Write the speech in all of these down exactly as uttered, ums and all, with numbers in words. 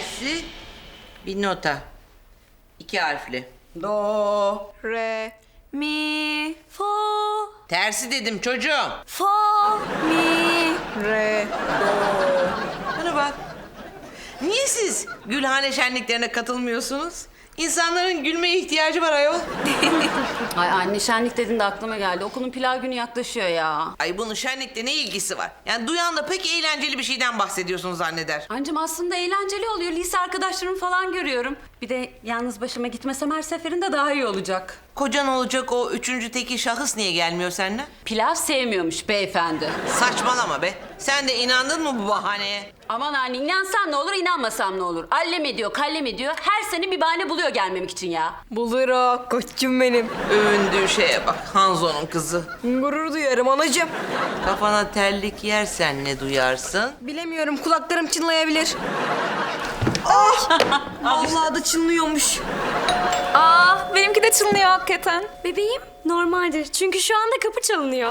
tersi bir nota. İki harfli. Do. Re, mi, fa, Tersi dedim çocuğum. fa, mi, Re. Bana bak. Niye siz Gülhane şenliklerine katılmıyorsunuz? İnsanların gülmeye ihtiyacı var ayol. Ay anne şenlik dedin de aklıma geldi. Okulun pilav günü yaklaşıyor ya. Ay bunun şenlikle ne ilgisi var? Yani duyan da pek eğlenceli bir şeyden bahsediyorsun zanneder. Anneciğim aslında eğlenceli oluyor. Lise arkadaşlarımı falan görüyorum. Bir de yalnız başıma gitmesem her seferinde daha iyi olacak. Kocan olacak o üçüncü teki şahıs niye gelmiyor seninle? Pilav sevmiyormuş beyefendi. Saçmalama be. Sen de inandın mı bu bahaneye? Aman anne inansam ne olur inanmasam ne olur. Allem ediyor kallem ediyor. Her sene bir bahane buluyor gelmemek için ya. Bulur o koçum benim. Övündüğü şeye bak. Hanzo'nun kızı. Gurur duyarım anacığım. Kafana terlik yersen ne duyarsın? Bilemiyorum kulaklarım çınlayabilir. Ay! Vallahi da çınlıyormuş. Aa, benimki de çınlıyor hakikaten. Bebeğim, normaldir. Çünkü şu anda kapı çalınıyor.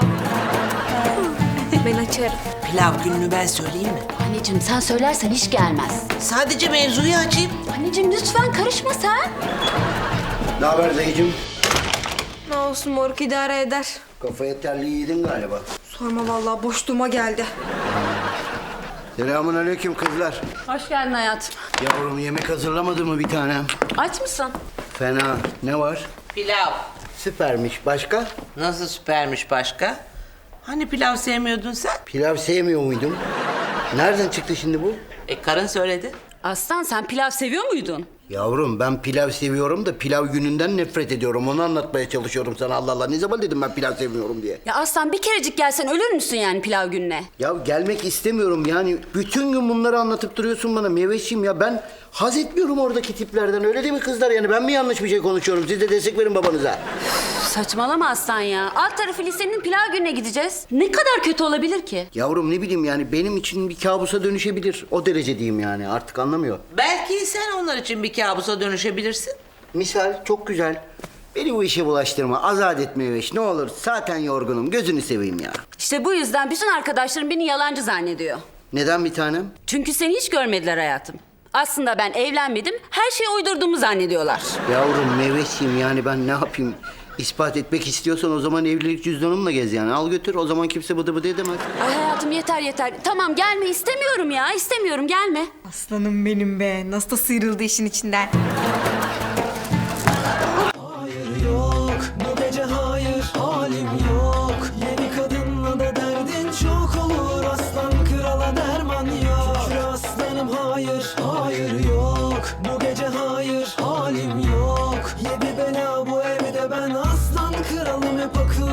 Ben açarım. Pilav gününü ben söyleyeyim mi? Anneciğim sen söylersen hiç gelmez. Sadece mevzuyu açayım. Anneciğim lütfen karışma sen. Ne haber Zeycim? Ne olsun moruk idare eder. Kafaya terliği yedin galiba. Sorma vallahi boşluğuma geldi. Selamun aleyküm kızlar. Hoş geldin hayatım. Yavrum yemek hazırlamadı mı bir tanem? Aç mısın? Fena. Ne var? Pilav. Süpermiş. Başka? Nasıl süpermiş başka? Hani pilav sevmiyordun sen? Pilav sevmiyor muydum? Nereden çıktı şimdi bu? E karın söyledi. Aslan sen pilav seviyor muydun? Yavrum ben pilav seviyorum da pilav gününden nefret ediyorum. Onu anlatmaya çalışıyorum sana Allah Allah. Ne zaman dedim ben pilav sevmiyorum diye? Ya Aslan bir kerecik gelsen ölür müsün yani pilav gününe? Ya gelmek istemiyorum yani. Bütün gün bunları anlatıp duruyorsun bana Meveş'im ya. Ben haz etmiyorum oradaki tiplerden. Öyle değil mi kızlar yani? Ben mi yanlış bir şey konuşuyorum? Siz de destek verin babanıza. Saçmalama Aslan ya. Alt tarafı lisenin pilav gününe gideceğiz. Ne kadar kötü olabilir ki? Yavrum ne bileyim yani benim için bir kabusa dönüşebilir. O derece diyeyim yani artık anlamıyor. Belki sen onlar için bir kabusa dönüşebilirsin. Misal çok güzel. Beni bu işe bulaştırma. Azat etme Meveş. Ne olur zaten yorgunum. Gözünü seveyim ya. İşte bu yüzden bütün arkadaşlarım beni yalancı zannediyor. Neden bir tanem? Çünkü seni hiç görmediler hayatım. Aslında ben evlenmedim, her şeyi uydurduğumu zannediyorlar. Yavrum Meveş'im yani ben ne yapayım? İspat etmek istiyorsan o zaman evlilik cüzdanımla gez yani. Al götür o zaman kimse bıdı bıdı edemez. Ay hayatım yeter yeter. Tamam gelme istemiyorum ya. İstemiyorum gelme. Aslanım benim be. Nasıl da sıyrıldı işin içinden. Hayır yok bu gece hayır halim yok. Yeni kadınla da derdin çok olur. Aslan krala derman yok. Şükür aslanım hayır hayır yok. Bu gece hayır halim yok. Yedi bela bu evde ben aslan kralım hep akıl.